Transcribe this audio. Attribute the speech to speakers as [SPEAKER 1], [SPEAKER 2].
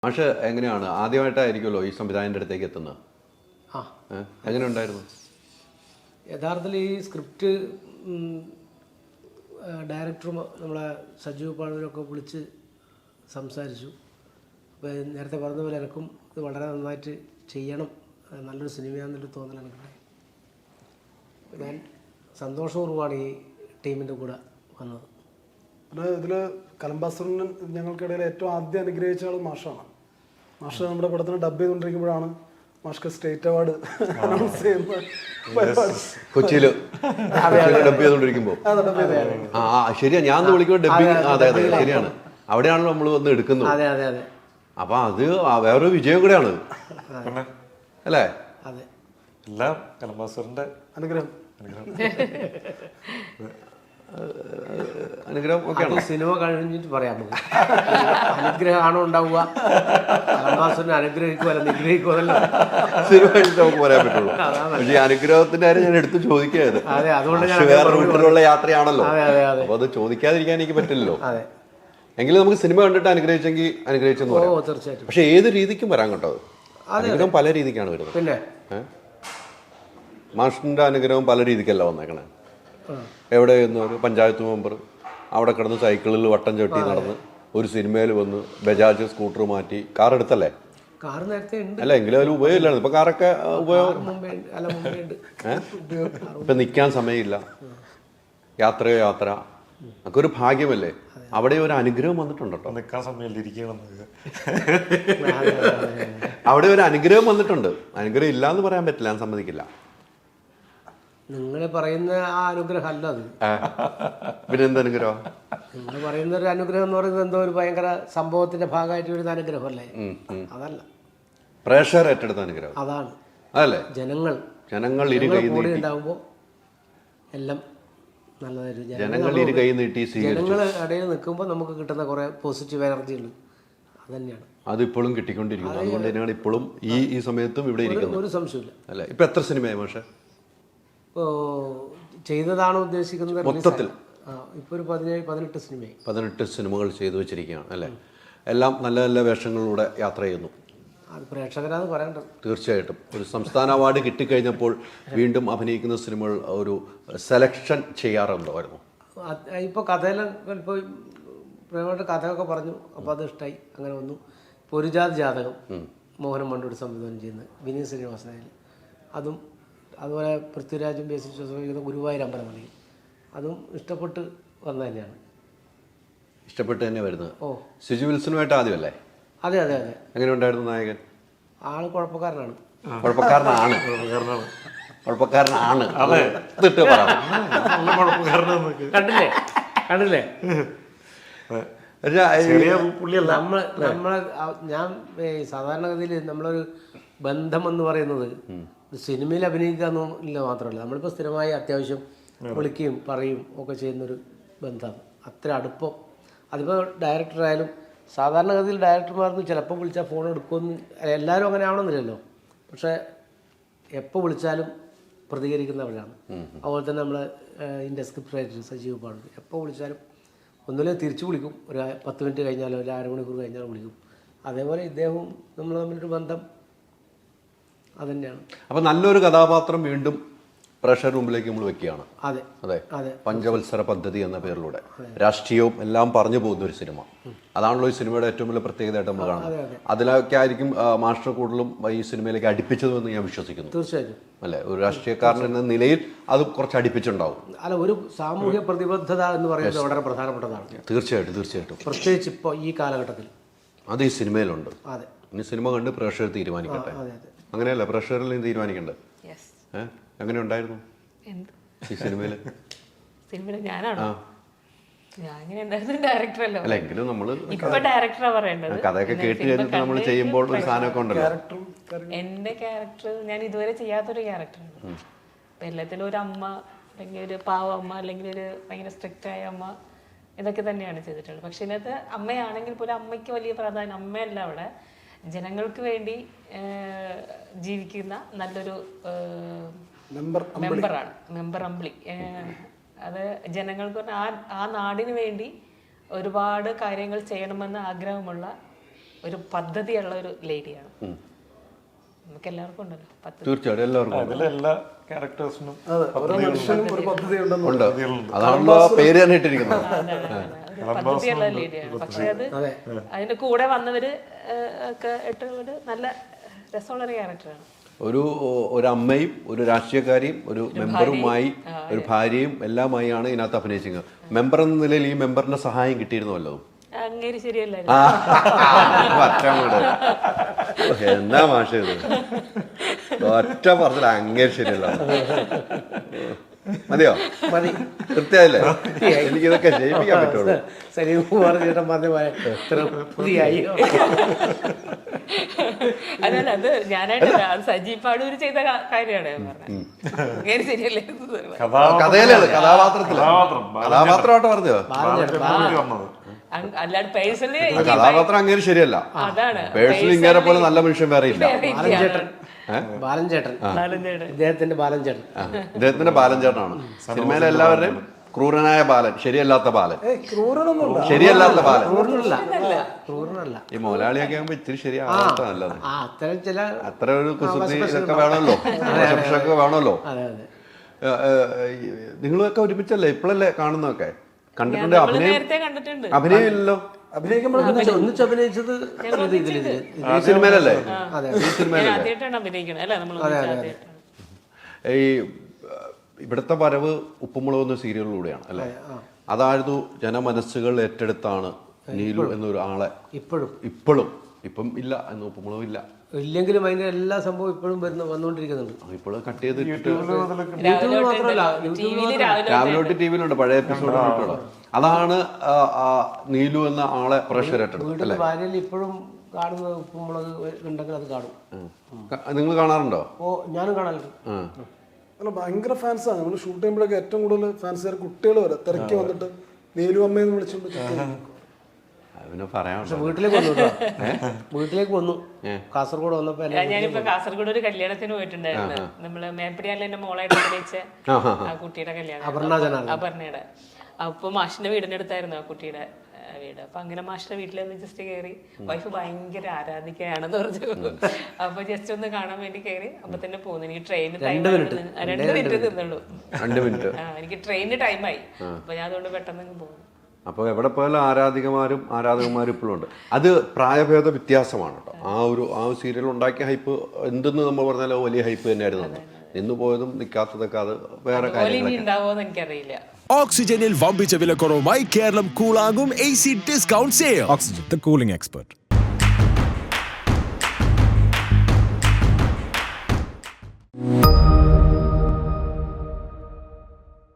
[SPEAKER 1] മാഷ് എങ്ങനെയാണ് ആദ്യമായിട്ടായിരിക്കുമല്ലോ ഈ സംവിധായകൻ്റെ അടുത്തേക്ക് എത്തുന്നത്? എങ്ങനെ ഉണ്ടായിരുന്നു?
[SPEAKER 2] യഥാർത്ഥത്തിൽ ഈ സ്ക്രിപ്റ്റ് ഡയറക്ടറും നമ്മളെ സജീവ് പാഴൂരൊക്കെ വിളിച്ച് സംസാരിച്ചു. അപ്പോൾ നേരത്തെ പറഞ്ഞ പോലെ എനിക്കും ഇത് വളരെ നന്നായിട്ട് ചെയ്യണം, നല്ലൊരു സിനിമയാണെന്നൊരു തോന്നൽ എനിക്കുണ്ടായി. ഞാൻ സന്തോഷപൂർവ്വമാണ് ഈ ടീമിൻ്റെ കൂടെ വന്നത്.
[SPEAKER 3] ഇതിൽ കലംബാസറിന് ഞങ്ങൾക്കിടയിൽ ഏറ്റവും ആദ്യം അനുഗ്രഹിച്ച ആൾ മാഷാണ്. മാഷ് നമ്മുടെ പടത്തിന് ഡബ് ചെയ്തുകൊണ്ടിരിക്കുമ്പോഴാണ് മാഷ്ക്ക് സ്റ്റേറ്റ് അവാർഡ് അനൗൺസ് ചെയ്യുന്നത്.
[SPEAKER 1] കൊച്ചിയിൽ ഡബ് ചെയ്തുകൊണ്ടിരിക്കുമ്പോൾ ശരിയാ, ഞാൻ വിളിക്കുമ്പോൾ ഡബിങ്. അതെ അതെ ശരിയാണ്, അവിടെയാണല്ലോ നമ്മൾ വന്ന് എടുക്കുന്നത്.
[SPEAKER 2] അതെ അതെ അതെ.
[SPEAKER 1] അപ്പൊ അത് വേറൊരു വിജയം കൂടെയാണ് അല്ലേ?
[SPEAKER 2] അതെ,
[SPEAKER 4] എല്ലാം കലംബാസറിന്റെ
[SPEAKER 3] അനുഗ്രഹം.
[SPEAKER 1] അനുഗ്രഹം ഒക്കെയാണ്.
[SPEAKER 2] സിനിമ കഴിഞ്ഞിട്ട് പറയാം. അനുഗ്രഹമാണോ ഉണ്ടാവുക? കലംബാസറിനെ അനുഗ്രഹിക്കുക അല്ല നിഗ്രഹിക്കുമല്ലോ.
[SPEAKER 1] സിനിമ കഴിഞ്ഞിട്ട് നമുക്ക് പറയാൻ പറ്റുള്ളൂ. പക്ഷേ അനുഗ്രഹത്തിന്റെ കാര്യം ഞാൻ എടുത്ത് ചോദിക്കാത്. വേറെ റൂട്ടിലുള്ള യാത്രയാണല്ലോ, അപ്പൊ അത് ചോദിക്കാതിരിക്കാൻ എനിക്ക് പറ്റില്ലല്ലോ. എങ്കിലും നമുക്ക് സിനിമ കണ്ടിട്ട് അനുഗ്രഹിച്ചെങ്കിൽ അനുഗ്രഹിച്ചെന്ന് പറയാം.
[SPEAKER 2] തീർച്ചയായിട്ടും.
[SPEAKER 1] പക്ഷെ ഏത് രീതിക്കും വരാൻ കേട്ടോ, അനുഗ്രഹം പല രീതിക്കാണ് വരുന്നത്.
[SPEAKER 2] പിന്നെ
[SPEAKER 1] മാഷിന്റെ അനുഗ്രഹം പല രീതിക്കല്ല വന്നേക്കണേ. എവിടെ ഒരു പഞ്ചായത്ത് മെമ്പർ അവിടെ കിടന്ന് സൈക്കിളിൽ വട്ടം ചവിട്ടി നടന്ന് ഒരു സിനിമയിൽ വന്ന് ബജാജ് സ്കൂട്ടർ മാറ്റി കാർ എടുത്തല്ലേ?
[SPEAKER 2] കാർ നേരത്തെ
[SPEAKER 1] അല്ല, എങ്കിലും അതിൽ ഉപയോഗമില്ലായിരുന്നു. ഇപ്പൊ കാറൊക്കെ ഉപയോഗം. ഇപ്പൊ നിൽക്കാൻ സമയമില്ല, യാത്രയോ യാത്ര. ഒക്കെ ഒരു ഭാഗ്യമല്ലേ? അവിടെ ഒരു അനുഗ്രഹം വന്നിട്ടുണ്ട് കേട്ടോ.
[SPEAKER 4] നിൽക്കാൻ സമയമില്ല,
[SPEAKER 1] അവിടെ ഒരു അനുഗ്രഹം വന്നിട്ടുണ്ട്. അനുഗ്രഹം ഇല്ല എന്ന് പറയാൻ പറ്റില്ല, ഞാൻ സമ്മതിക്കില്ല.
[SPEAKER 2] നിങ്ങൾ പറയുന്ന ആ അനുഗ്രഹം അല്ല അത്.
[SPEAKER 1] പിന്നെ എന്ത് അനുഗ്രഹം?
[SPEAKER 2] നിങ്ങൾ പറയുന്ന ഒരു അനുഗ്രഹം എന്ന് പറയുന്നത് എന്തോ ഒരു ഭയങ്കര സംഭവത്തിന്റെ ഭാഗമായിട്ട് വരുന്ന അനുഗ്രഹം അല്ലേ? അതല്ല,
[SPEAKER 1] പ്രേക്ഷകർ ഏറ്റെടുത്ത അനുഗ്രഹം
[SPEAKER 2] അതാണ്.
[SPEAKER 1] അതല്ലേ?
[SPEAKER 2] ജനങ്ങൾ കൂടെ ഉണ്ടാകുമ്പോൾ എല്ലാം നല്ലതായിട്ട് ജനങ്ങൾ ഇടയിൽ നിൽക്കുമ്പോൾ നമുക്ക് കിട്ടുന്ന കുറെ പോസിറ്റീവ് എനർജി ഉണ്ട്. അത് തന്നെയാണ്,
[SPEAKER 1] അതിപ്പോഴും കിട്ടിക്കൊണ്ടിരിക്കുന്നു. അതുകൊണ്ട് തന്നെയാണ് ഇപ്പോഴും ഈ സമയത്തും ഇവിടെ ഇരിക്കുന്നത്.
[SPEAKER 2] ഒരു സംശയമില്ല.
[SPEAKER 1] അല്ലേ? ഇപ്പൊ എത്ര സിനിമയായി മാഷെ?
[SPEAKER 2] ചെയ്തതാണ് ഉദ്ദേശിക്കുന്നത്
[SPEAKER 1] മൊത്തത്തിൽ?
[SPEAKER 2] ഇപ്പോൾ ഒരു 17-18 സിനിമയായി.
[SPEAKER 1] 18 സിനിമകൾ ചെയ്തു വെച്ചിരിക്കുകയാണ് അല്ലേ? എല്ലാം നല്ല നല്ല വേഷങ്ങളിലൂടെ യാത്ര ചെയ്യുന്നു.
[SPEAKER 2] അത് പ്രേക്ഷകരാന്ന് പറയേണ്ടത്.
[SPEAKER 1] തീർച്ചയായിട്ടും. ഒരു സംസ്ഥാന അവാർഡ് കിട്ടിക്കഴിഞ്ഞപ്പോൾ വീണ്ടും അഭിനയിക്കുന്ന സിനിമകൾ ഒരു സെലക്ഷൻ ചെയ്യാറുണ്ടായിരുന്നു.
[SPEAKER 2] ഇപ്പോൾ കഥയിലൊക്കെ ഇപ്പോൾ പ്രേമയുടെ കഥയൊക്കെ പറഞ്ഞു, അപ്പോൾ അത് ഇഷ്ടമായി, അങ്ങനെ വന്നു. ഇപ്പോൾ ഒരു ജാതകം മോഹൻ മണ്ടൂർ സംവിധാനം ചെയ്യുന്നത്, വിനീത് ശ്രീനിവാസനായാലും അതും, അതുപോലെ പൃഥ്വിരാജും ബേസിൽ ജോസഫും ഗുരുവായൂർ അമ്പലമണി, അതും ഇഷ്ടപ്പെട്ട് വന്ന തന്നെയാണ്.
[SPEAKER 1] ഇഷ്ടപ്പെട്ട് തന്നെ വരുന്നത്. സിജു വിൽസനുമായിട്ട് ആദ്യമല്ലേ?
[SPEAKER 2] അതെ അതെ അതെ.
[SPEAKER 1] എങ്ങനെ ഉണ്ടായിരുന്നു നായകൻ?
[SPEAKER 2] ആള് കുഴപ്പക്കാരനാണ്. കണ്ടില്ലേ ഞാൻ സാധാരണഗതിയിൽ നമ്മളൊരു ബന്ധം എന്ന് പറയുന്നത് സിനിമയിൽ അഭിനയിക്കുക എന്നില്ല മാത്രമല്ല, നമ്മളിപ്പോൾ സ്ഥിരമായി അത്യാവശ്യം വിളിക്കുകയും പറയും ഒക്കെ ചെയ്യുന്നൊരു ബന്ധമാണ്. അത്ര അടുപ്പം. അതിപ്പോൾ ഡയറക്ടറായാലും സാധാരണഗതിയിൽ ഡയറക്ടർമാർക്ക് ചിലപ്പോൾ വിളിച്ചാൽ ഫോൺ എടുക്കുമെന്ന് എല്ലാവരും അങ്ങനെ ആവണമെന്നില്ലല്ലോ. പക്ഷേ എപ്പോൾ വിളിച്ചാലും പ്രതികരിക്കുന്നവരാണ്. അതുപോലെ തന്നെ നമ്മളെ ഇതിൻ്റെ സ്ക്രിപ്റ്റ് റൈറ്റർ സജീവ് പാടൂർ എപ്പോൾ വിളിച്ചാലും ഒന്നുമില്ല തിരിച്ചു വിളിക്കും. ഒരു 10 മിനിറ്റ് കഴിഞ്ഞാലോ ഒരു അരമണിക്കൂർ കഴിഞ്ഞാലോ വിളിക്കും. അതേപോലെ ഇദ്ദേഹവും നമ്മൾ തമ്മിലൊരു ബന്ധം അതുതന്നെയാണ്.
[SPEAKER 1] അപ്പം നല്ലൊരു കഥാപാത്രം വീണ്ടും പ്രേക്ഷകർ മുമ്പിലേക്ക് നമ്മൾ വെക്കുകയാണ്.
[SPEAKER 2] അതെ
[SPEAKER 1] അതെ അതെ. പഞ്ചവത്സര പദ്ധതി എന്ന പേരിലൂടെ രാഷ്ട്രീയവും എല്ലാം പറഞ്ഞു പോകുന്ന ഒരു സിനിമ. അതാണല്ലോ ഈ സിനിമയുടെ ഏറ്റവും വലിയ പ്രത്യേകതയായിട്ട് നമ്മൾ കാണുന്നത്. അതിലൊക്കെ ആയിരിക്കും മാസ്റ്റർ കൂടുതലും ഈ സിനിമയിലേക്ക് അടുപ്പിച്ചതെന്ന് ഞാൻ വിശ്വസിക്കുന്നു.
[SPEAKER 2] തീർച്ചയായിട്ടും
[SPEAKER 1] അല്ലേ? ഒരു രാഷ്ട്രീയക്കാരൻ എന്ന നിലയിൽ അത് കുറച്ച് അടുപ്പിച്ചുണ്ടാവും.
[SPEAKER 2] അല്ല, ഒരു സാമൂഹ്യ പ്രതിബദ്ധത എന്ന് പറയുന്നത് വളരെ പ്രധാനപ്പെട്ടതാണ്.
[SPEAKER 1] തീർച്ചയായിട്ടും തീർച്ചയായിട്ടും.
[SPEAKER 2] പ്രത്യേകിച്ച് ഇപ്പോൾ ഈ കാലഘട്ടത്തിൽ
[SPEAKER 1] അത് ഈ സിനിമയിലുണ്ട്.
[SPEAKER 2] അതെ.
[SPEAKER 1] ഇനി സിനിമ കണ്ട് പ്രേക്ഷകർ തീരുമാനിക്കട്ടെ. അങ്ങനെയല്ല, പ്രേക്ഷകരിൽ തീരുമാനിക്കണ്ടേ? എങ്ങനെ ഉണ്ടായിരുന്നു ഈ സിനിമയില്?
[SPEAKER 5] ഞാനാണോ?
[SPEAKER 1] അല്ല, എങ്കിലും നമ്മള്
[SPEAKER 5] പറയേണ്ടത്
[SPEAKER 1] കഥയൊക്കെ കേട്ട് കഴിഞ്ഞിട്ട് നമ്മൾ ചെയ്യുമ്പോൾ ഒരു സാധനമൊക്കെ ഉണ്ടല്ലോ.
[SPEAKER 5] എന്റെ ക്യാരക്ടർ ഞാൻ ഇതുവരെ ചെയ്യാത്തൊരു ക്യാരക്ടറാണ്. എല്ലാത്തിലും ഒരു അമ്മ, അല്ലെങ്കിൽ ഒരു പാവ അമ്മ, അല്ലെങ്കിൽ ഒരു ഭയങ്കര സ്ട്രിക്റ്റ് ആയ അമ്മ, ഇതൊക്കെ തന്നെയാണ് ചെയ്തിട്ടുള്ളത്. പക്ഷെ ഇതിനകത്ത് അമ്മയാണെങ്കിൽ പോലും അമ്മയ്ക്ക് വലിയ പ്രാധാന്യം, അമ്മയല്ല അവിടെ ജനങ്ങൾക്ക് വേണ്ടി ജീവിക്കുന്ന നല്ലൊരു മെമ്പർ അമ്പിളി. അത് ജനങ്ങൾക്ക് ആ നാടിന് വേണ്ടി ഒരുപാട് കാര്യങ്ങൾ ചെയ്യണമെന്ന് ആഗ്രഹമുള്ള ഒരു പദ്ധതിയുള്ള ഒരു ലേഡിയാണ്. നമുക്ക് എല്ലാവർക്കും ഉണ്ടല്ലോ പദ്ധതി.
[SPEAKER 1] തീർച്ചയായിട്ടും എല്ലാവർക്കും
[SPEAKER 4] അതിലെല്ലാ ക്യാരക്ടേഴ്സിനും
[SPEAKER 3] ഓരോ മനുഷ്യനും ഒരു പദ്ധതി ഉണ്ടെന്ന്
[SPEAKER 1] ഉണ്ട്. അതാണല്ലോ പേര് തന്നെ ഇട്ടിരിക്കുന്നത്.
[SPEAKER 5] ഒരു പദ്ധതിയുള്ള ലേഡിയാണ്. പക്ഷെ അത് അതിന്റെ കൂടെ വന്നവര് ഒക്കെ ഇട്ടുകൊണ്ട് നല്ല രസമുള്ളൊരു ക്യാരക്ടറാണ്.
[SPEAKER 1] ഒരു അമ്മയും ഒരു രാഷ്ട്രീയക്കാരിയും ഒരു മെമ്പറുമായി ഒരു ഭാര്യയും എല്ലാമായാണ് ഇതിനകത്ത് അഭിനയിച്ചത്. മെമ്പർ എന്ന നിലയിൽ ഈ മെമ്പറിന്റെ സഹായം കിട്ടിയിരുന്നല്ലോ.
[SPEAKER 5] അങ്ങേര് ശരിയല്ല.
[SPEAKER 1] എന്നാ മാഷ ഇത് ഒറ്റ പറഞ്ഞില്ല, അങ്ങേര് ശരിയല്ല. മതിയോ?
[SPEAKER 2] മതി.
[SPEAKER 1] കൃത്യമായില്ലേ? എനിക്കിതൊക്കെ ജയിപ്പിക്കാൻ പറ്റുള്ളൂ.
[SPEAKER 2] സലീംകുമാർ ചേട്ടൻ പറഞ്ഞായി.
[SPEAKER 5] അതല്ല, അത് ഞാനായിട്ടല്ല, അത് സജീവ് പാടൂര് ചെയ്ത കാര്യമാണ് ഞാൻ പറഞ്ഞത്. ശരിയല്ലേ?
[SPEAKER 1] കഥയിലാണ്, കഥാപാത്രമായിട്ട് പറഞ്ഞോ.
[SPEAKER 5] അല്ലാണ്ട് പേഴ്സണലി
[SPEAKER 1] കഥാപാത്രം അങ്ങനെ ശരിയല്ല.
[SPEAKER 5] അതാണ്
[SPEAKER 1] പേഴ്സണലി ഇങ്ങനെ പോലെ നല്ല മനുഷ്യൻ വേറെ ഇല്ല.
[SPEAKER 2] ബാലൻചേട്ടൻ, ഇദ്ദേഹത്തിന്റെ ബാലൻചേട്ടൻ,
[SPEAKER 1] ഇദ്ദേഹത്തിന്റെ ബാലൻചേട്ടനാണ് സിനിമയിലെ എല്ലാവരുടെയും ക്രൂരനായ ബാലൻ, ശരിയല്ലാത്ത ബാലൻ, ശരിയല്ലാത്ത ബാലൻ.
[SPEAKER 2] ക്രൂരനല്ല.
[SPEAKER 1] ഈ മോലാളിയൊക്കെ ആകുമ്പോ ഇച്ചിരി ശരിയാവാത്ത നല്ലത്.
[SPEAKER 2] അത്തരം ചില
[SPEAKER 1] അത്ര ഒരു കുസൃതി ഇതൊക്കെ വേണമല്ലോ, ഒക്കെ വേണമല്ലോ. നിങ്ങളൊക്കെ ഒരുമിച്ചല്ലേ ഇപ്പോഴല്ലേ കാണുന്നതൊക്കെ? കണ്ടിട്ടുണ്ട്? അഭിനയം ഇല്ലല്ലോ.
[SPEAKER 2] ഒന്നിച്ച് അഭിനയിച്ചത്
[SPEAKER 1] ഈ സിനിമയിലല്ലേ? ഈ ഇവിടുത്തെ വരവ് ഉപ്പുമുളക് എന്ന സീരിയലിലൂടെയാണ് അല്ലേ? അതായിരുന്നു ജനമനസ്സുകൾ ഏറ്റെടുത്താണ് നീലു എന്നൊരു ആളെ. ഇപ്പം ഇല്ല എന്ന് ഉപ്പുമുളകും ഇല്ല.
[SPEAKER 2] ഇല്ലെങ്കിലും അതിന്റെ എല്ലാ സംഭവം ഇപ്പോഴും വന്നുകൊണ്ടിരിക്കുന്നുണ്ട്.
[SPEAKER 1] ഇപ്പോഴും കട്ട് ചെയ്ത്
[SPEAKER 2] മാത്രമല്ല,
[SPEAKER 1] രാവിലെ തൊട്ട് ടിവിയിലുണ്ട് പഴയ എപ്പിസോഡ്. അതാണ് നീലു എന്ന ആളെ പ്രഷർ ഏറ്റെടുത്തത്.
[SPEAKER 2] ഭാര്യയിൽ ഇപ്പോഴും കാണുന്നത് ഉപ്പുമുളക് ഉണ്ടെങ്കിൽ അത് കാണും.
[SPEAKER 1] നിങ്ങൾ കാണാറുണ്ടോ?
[SPEAKER 2] ഞാനും കാണാറുണ്ട്.
[SPEAKER 3] അല്ല, ഭയങ്കര ഫാൻസാണ്. നമ്മൾ ഷൂട്ട് ചെയ്യുമ്പോഴൊക്കെ ഏറ്റവും കൂടുതൽ ഫാൻസുകാർ കുട്ടികൾ വരെ തിരക്കി വന്നിട്ട് നീലു അമ്മയെന്ന് വിളിച്ചുകൊണ്ട് വീട്ടിലേക്ക് വന്നു. കാസർഗോഡ് വന്നപ്പോ
[SPEAKER 5] ഞാനിപ്പോ കാസർഗോഡ് ഒരു കല്യാണത്തിന് പോയിട്ടുണ്ടായിരുന്നു. നമ്മള് മേപ്പടിയാലെ എന്റെ മോളായിട്ട് അഭിനയിച്ച ആ കുട്ടിയുടെ കല്യാണം, അപർണയുടെ. അപ്പൊ മാഷിന്റെ വീടിനടുത്തായിരുന്നു ആ കുട്ടിയുടെ വീട്. അപ്പൊ അങ്ങനെ മാഷിന്റെ വീട്ടിലൊന്ന് ജസ്റ്റ് കയറി, വൈഫ് ഭയങ്കര ആരാധിക്കുകയാണെന്ന് പറഞ്ഞു. അപ്പൊ ജസ്റ്റ് ഒന്ന് കാണാൻ വേണ്ടി കയറി. അപ്പൊ തന്നെ പോന്നു. എനിക്ക് ട്രെയിന് 2 മിനിറ്റ് നിന്നുള്ളൂ. എനിക്ക് ട്രെയിനിന് ടൈമായി. അപ്പൊ ഞാൻ അതുകൊണ്ട് പെട്ടെന്ന് പോകുന്നു.
[SPEAKER 1] അപ്പോൾ എവിടെ പോയാലും ആരാധകന്മാരും ഇപ്പോഴും ഉണ്ട്. അത് പ്രായഭേദ വ്യത്യാസമാണ് കേട്ടോ. ആ ഒരു സീരിയൽ ഉണ്ടാക്കിയ ഹൈപ്പ് എന്തെന്ന് നമ്മൾ പറഞ്ഞാൽ വലിയ ഹൈപ്പ് തന്നെയായിരുന്നു. നിന്ന് പോയതും നിൽക്കാത്തതൊക്കെ അത് വേറെ കാര്യങ്ങളൊക്കെ.
[SPEAKER 5] എനിക്കറിയില്ല.
[SPEAKER 6] ഓക്സിജനിൽ വമ്പിച്ച വിലക്കുറവുമായി കേരളം കൂളാകും AC discount sale. Oxygen, the cooling expert.